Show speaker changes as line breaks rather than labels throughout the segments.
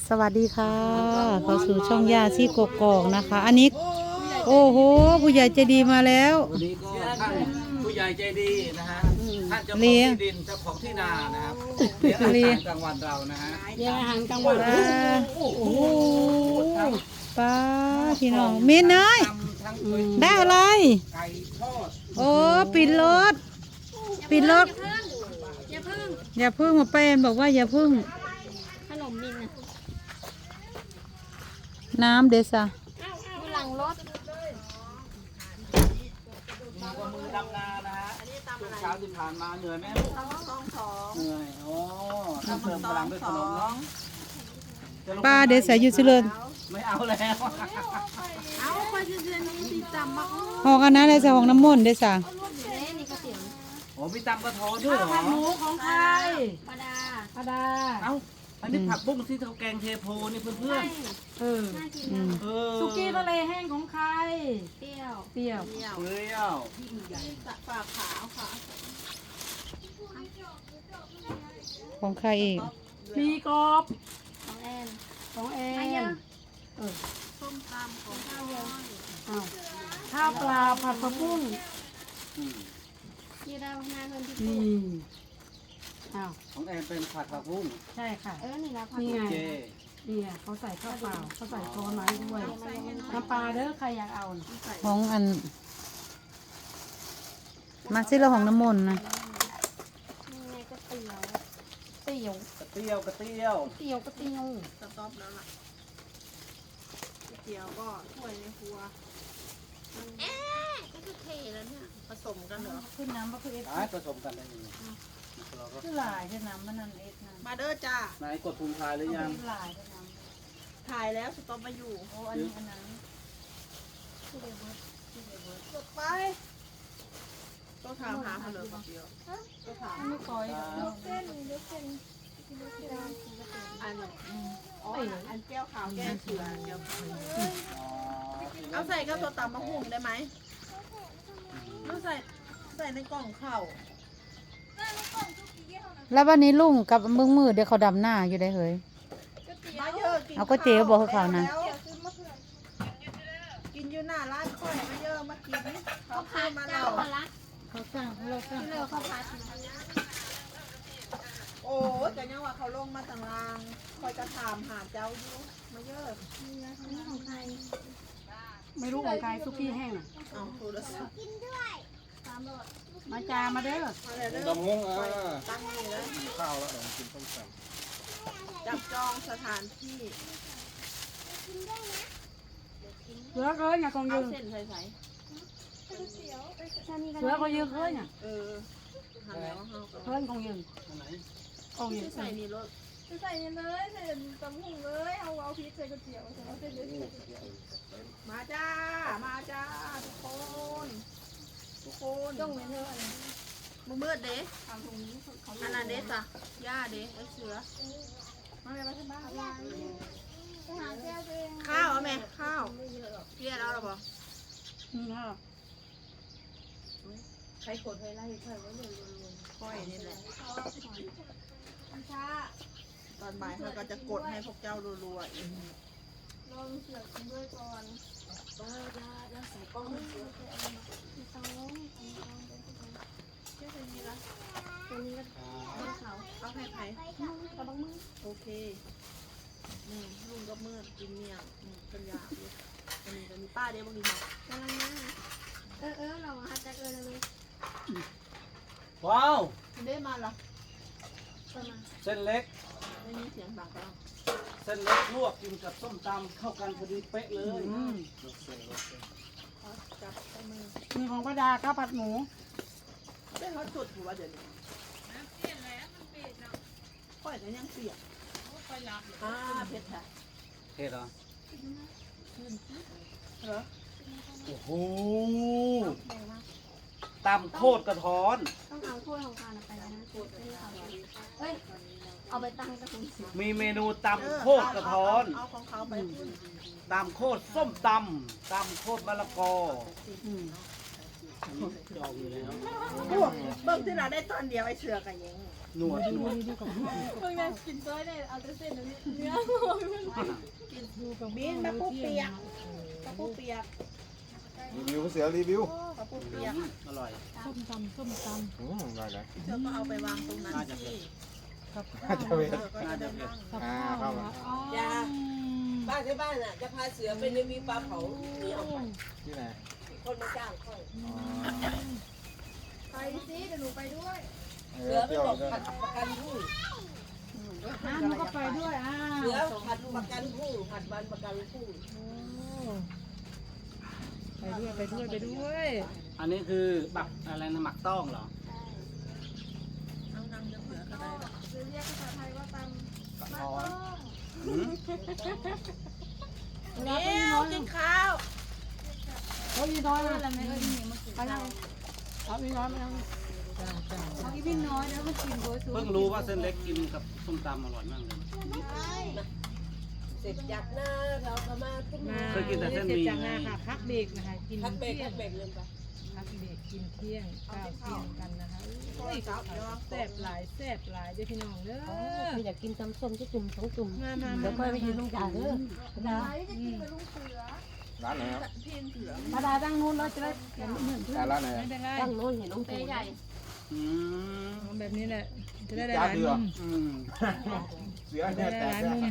สวัสดีค่ะเข้าสู่ช่องยาซี่กกอกนะคะ อันนี้โอ้โหผู้ใหญ่ใจดีมาแล้ว
วันนี้ก็ท่านผู้ใหญ่ใจดีนะฮะท่านเจ้าของ
เลี้ยง
ที่ดินเจ้าของที่นานะครับเลี้ยงอาหารกลางวันเรานะฮะ
เลี้ยงอาหารกลางวัน
ป้าโอ้โหป้าพี่น้องเมนน้อย
ทั้ง
ได้อะไร
ไก่ทอด
โอ้ปิดรถปิดรถ
อย่าพึ่ง
อย่าพึ่งมาเป็นบอกว่าอย่าพึ่ง
ขนมมินอ่ะ
น้ำเดซ่า
อยู่หลังรถ
มีกว่ามือดำนานะฮะช่วงเช้าที่ผ่านมาเหนื่อยไหมลูกเหนื่อยโอ้ต้องเติมพลังด้วยขนมเนาะจะลง
ป้าเดซ่าอยู่สิเลย
ไม่เอาแล้ว
เอาไปเดือนนี้ติดจำมา
ห้องอันนั้นเดซ่าห้องน้ำมนต์เดซ่า
นี่ก็เสียง
โอ้มีตำกระท้อนด้วยเหรอ
หมูของใคร
ปาดา
ปาดา
เอ้าอันนี้ผักบุ้งที่เขาแกงเทโพนี่เพื่อน
เออ
น่ากิน
อืม
ๆเออ
สุกี้ทะเลแห้งของใคร
เปรี้ยว
เปรี้ยว
เปรี้ยว
ฝาขาวค่ะ
ของใครเอง
มีกรอบ
ของแอน
ของแอ
มาเย
น
อะ
เออ
ส้มตำของข้าวเยอะ
อ้าวข้าวปลาผัดผักบุ้ง
อืม
ที่เราหน้าเงินที่
นี่อ้าว
ของแอนเป็นผัดผักบุ้ง
ใช่ค่ะ
นี่นะผัก
นี่ไง
เจ
นี่ไงเขาใส่ข้าวเปล่าเขาใส่ช้อนมาให้ด้วยน้ำปลาเด้อใครอยากเอาน่ะ
ของอันมาซิเราห้องน้ำมนต์นะ
นี่ไงก็เตี๋ยว
เตี๋ยว
กระเตี้ยวกระเตี้ยว
เตี๋ยวก็เตี๋ยว
สต๊อปแล้วล่ะเตี๋ยวก็ถ้วยในครัวเอ๊ะก็คือเทแล้วเนี่ยผสมกันเหรอ
ขึ้นน้ำก็คือเอฟ
หายผสมกันได้ยังไงเราก็
คือหลายใช่น้ำมันนั่นเอฟนั่น
มาเด้อจ้า
ไหนกดพุงพายหรือยัง
หลายใช่น้ำ
ถ่ายแล้วสต๊อปมาอยู่
โอ้อันนี้อันนั้น
กดไปต้องถามหาเขาเลยคนเดียวต้องถาม
ไม่ก้อย
อันอ๋ออันแก้วขาวแก้วเสือแก้วขาว
อ๋อ
เอาใส่กับตัวตำมะฮุ่งได้ไหมหรือใส่ในกล่องข้าว
แล้ววันนี้ลุงกับมึงมือเดี๋ยวเขาดำหน้าอยู่ได้เฮ้ย
มาเยอะกิน
เอาก๋วยเตี๋ยวบอกให้เขานะ
กินอยู่หน้าร้านค่อยมาเยอะมากินเขาพามาเรา
เขาสั่งเราสั่ง
ที่เราเขาพัดโอ้ยแต่ยังว่าเขาลงมาต่างรางคอยจะถามหาเจ้าอยู่มาเยอะนี่ของใคร
ไม่รู้ของใครซุกี้แห้งน่ะ
เอาโทรศัพท์
มาจามาเด้อ
มาเลยเด้อ
ดำมงอ่ะ
ตั้งนี่แล้ว
กินข้าวแล้วเดี๋ยวกินต้มแซ่บ
จับจองสถานที่
เสือเคยเนี่ยของ
เอา
ยืน
เส้นใส่
เสือเขายืนเคยเนี่ย
เออหันแล้วเขา
เคยของยืน
อันไหน
ของยืน
ใส่นี่รถ
ใส่เลยใส่ตำหุ่งเลยเอาพริกใส่ก๋วยเตี๋ยวเอาเส้นเล็ก
มาจ้ามาจ้าทุกคนทุกคน
ต้องเนื้ออะไร
มืดเด้
ทำตรงนี้เขา
อันนั้นเด้จ้ะย่าเด้ไอ้เสือ
มาเลยมาที่บ้านไปหาแก้วตัวเอง
ข้าวเอาไหมข้าวเกลียดเอาหรอปะ
นี่ค่ะ
ใครขนใครไล่ใครว่าเรื่องค่อยนี่แหละ
ช้า
ตอนบ่ายเขาก็จะกดให้พวกเจ้ารัวๆอีก
ลองเสือกกินด้วยก่อน
แล้วใส่กล้องเสือ
ต้อง
เชื่อใครมีละ
ตัวนี้ก็
เขาเอาให้ใคร
กระบังมือ
โอเคนี่ลุงก็มืดกินเมี่ยงเป็นยาเลยอันนี้ก็มีป้าเด้บางทีบอก
กำลังนะเราหาจักเลยเลย
ว้าว
เด้มาละ
ประมาณ
เส้นเล็ก
ไม่มีเสียงดังกัน
เส้นเล็กลวกกินกับส้มตำเข้ากันพอดีเป๊ะเลย
จับใส่มือ
มีของป้าดาข้าวผัดหมู
ได้เขาจุดอยู่ว่าเดี๋ยวนี้เปลี่ยนแล้วมันเปลี่ยนเนาะค่อยก็ยังเปียกค่อยรับเผ็ดค่ะ
เทศเหรอ
เหรอ
โอ้โห
แรงมาก
ตำโคตรกระท้อน
ต้องเอาถ้วยของทานไปนะเฮ้ยเอาไปตั้งกับคุณสิ
มีเมนูตำโคตรกระท้อน
เอาของเขาไปคุณ
ตำโคตรส้มตำโคตรมะละกอ
อืม
อันนี้จองอยู่แล้ว
โอ้เบิ่งที่เราได้ตอนเดียวไอ้เสือกันยัง
หนวดหนวด
เพิ่งได้กินซอยได้เอาแต่เส้นเนื้อ
บินมะปูเปียกมะปูเปียก
รีวิวเสือรีวิว
มะปูเปียก
อร่อย
ส้มตำส้มต
ได้เลย
เสือก็เอาไปวางตรงนั้นที่
ำกับข้า
น่าว จะเป็น
เสือก็จะได้นั่ง
กับข้าวนะอ๋อ
บ้านที่บ้านน่ะจะพาเสือไปรีวิวปลาเผาเหนียว
ที่ไหน
คนมาจ้างค่อย
อ๋อ
ไปสิเดี๋ยวหนูไปด้วย
เอ
เสื
อ
อไป
เที่ยว
บอก
เดิน
ผัดประกันพรุ่ง
น้ำมันก็ไปด้วยอ้า
เสื
ว
อผัดประกันพรุ่งผัดวันประกันพรุ่ง
ไปด้วยไปด้วยไปด้วย
อันนี้คือบักอะไรนะหมักต้องเหรอ
นั่งเสือก็ได้
หรือเรียกภาษาไทยว่าตำ
กระท้อนหืม
เดี๋ยวกินข้าว
เขาอีน้อยอะไรไม่เอ้ยนี่มันไปแล้วเอาอีน้อยมาเอาอีพี่น้อยแล้วมากินโดยสู
เพิ่งรู้ว่าเส้นเล็กกินกับส้มตำอร่อยมากเลย
เสร็จจากหน้าเราก็มาขึ้นมา
เคยกินแต่เส้นหมี่
จากนาค่ะพักเบรกนะคะกิน
พักเบรก
เที่ย
พั
ง
กเบรกเลยปะ
พักเบรกกินเที่ยงข้าวเที่ยงกันนะคะอุ้ยแซ่บหลายแซ่บหลายเด้อพี่น้องเด้อ
อยากกินตำส้มจะจุ่มสองจุ่ม
มามา
เดี๋ยวค่อยไปยืนตรงกลางเด้อ
ไปจะกินกับลุงเสือ
ร้านไหนครับ
มาดาตั้งนู้นเราจะได้เห็นเหมือนเพื่อน
ร้านไหน
ไม่เป็นไร
ตั้งนู้นเห็นน้องเตยใหญ่
อืม
เอาแบบนี้แหละจะได้ห
จ้า
ลาย
เสื
มุ
อ
ม
อืม
เสือ
จะ
เนี่ย
ได้
แต
ห
ก
ลาย
เนี่ย
มุม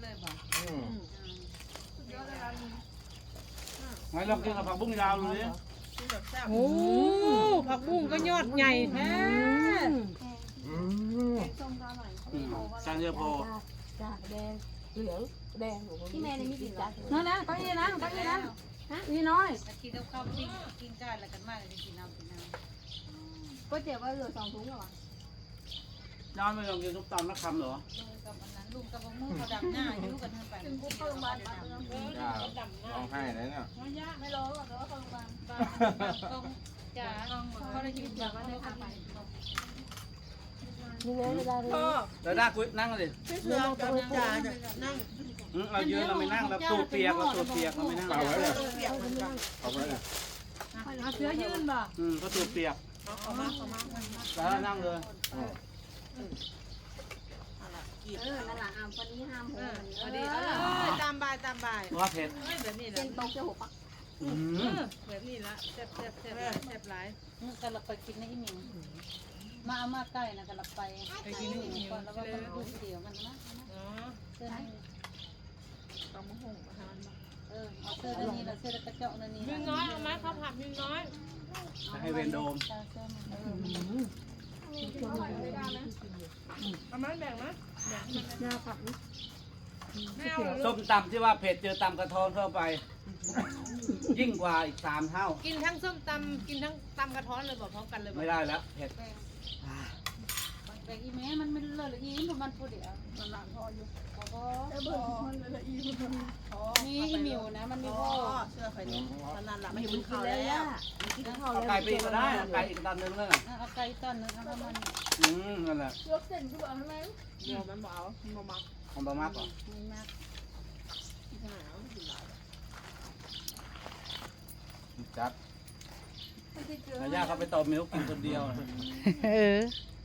งั้นเรากินกับผักบุ้งยาวเลย
โอ้ผักบุ้งก็ยอดใหญ่แท้
อืม
ส้มก็อร่อย
จานเยอะพอ
จ้าแดงเหลืองแดง
พี่แม่เนี่ยมีกี่จาน
นั่นนะเก้าอี้นะเก้าอี้นะนี่น้อย
กินกับข้าวปิ้งกินก้านแล้วกันมากเลยกินน้ำกินน้ำ
ก๋วยเตี๋ยวก็เหลือ2 ถุงเหรอ
ย้อนไปลองกินส้มตำนักคำเหรอ
กับอันนั้นลุงกับมือเขาดำหน้าอยู่กันทั้งไป
ถึงกูเข้าโรงพยาบาลมาเติม
จ้าร้องไห้เลยเนี่ย
ไม่รอหรอกแต่ว่าเข้าโรงพยาบาล
ต้องจ๋าเขาได้ยินจากว่าได้ทำไป
นี่ไงเวลาเรียน
พ่อ
แล้วได้คุยนั่งเลย
พี่เสือกับจ่าจะนั่ง
เรายืนเราไม่นั่งเราตัวเปียกเราตัวเปียกเราไม่นั่ง
เอาไว้เลย
เปียกเหมือนกัน
เอาไว้เลย
เอาเสือยืนบ่
ก็ตัวเปียก
เอามา
แล้วนั่งเลย
นั่นแหละวันนี้ห้ามโหวันนี้
พอดีตามบ่ายตามบ่าย
ว่าเผ็ด
แบบนี้แห
เส้
ละ
นตรงจะ6 ปัก
แบบนี้ละแซ่บแซ่บแซ่บแซ่บหลายกันเราไปกินในอีหมิงมาเอามาใกล้นะกันเราไปกินในอีหมิงก่อนแล้วก็ต้องดูเดี๋ยวมันนะเสื้อนี่
ต้องมาหุ่งมาทานมา
เอาเสื้อนี่ละเสื้อกระเจาะนี่มิงน้อยเอาไหมข้าวผัดมิงน้อย
ให้เวนโดม
เอามาแบ่งนะ
หน้าผัก
ไม่เอา
ส้มตำที่ว่าเผ็ดเจอตำกระท้อนเข้าไป ยิ่งกว่าอีก3 เท่า
กินทั้งส้มตำกินทั้งตำกระท้อนเลยบอกพร้อมกันเลย
ไม่ได้แล้วเผ็ด
แบ่งอีแม่มันไม่เลยอีมันพูดเดี๋ยวมันหลังพออยู่นี่อีมิวนะมันมี
พ่
พ่
อ
อ
เสื้อไฟนี้ตอนนั้นหลับไม่กินข้าวแล้ว
เอาไก่ไปอีกก็ได้เอาไก่อีกตันนึงเลย
เอาไก่ต้นนึงเอามัน
นั่นแหละ
ยกเส้นคือแบบทำไม
เดี๋ยวมันบอกเอามามัก
ของบะมากกว่า
ไม่มาก
จัด
แล้วย่าเขาไปตบมิ้วกินคนเดียว
เออ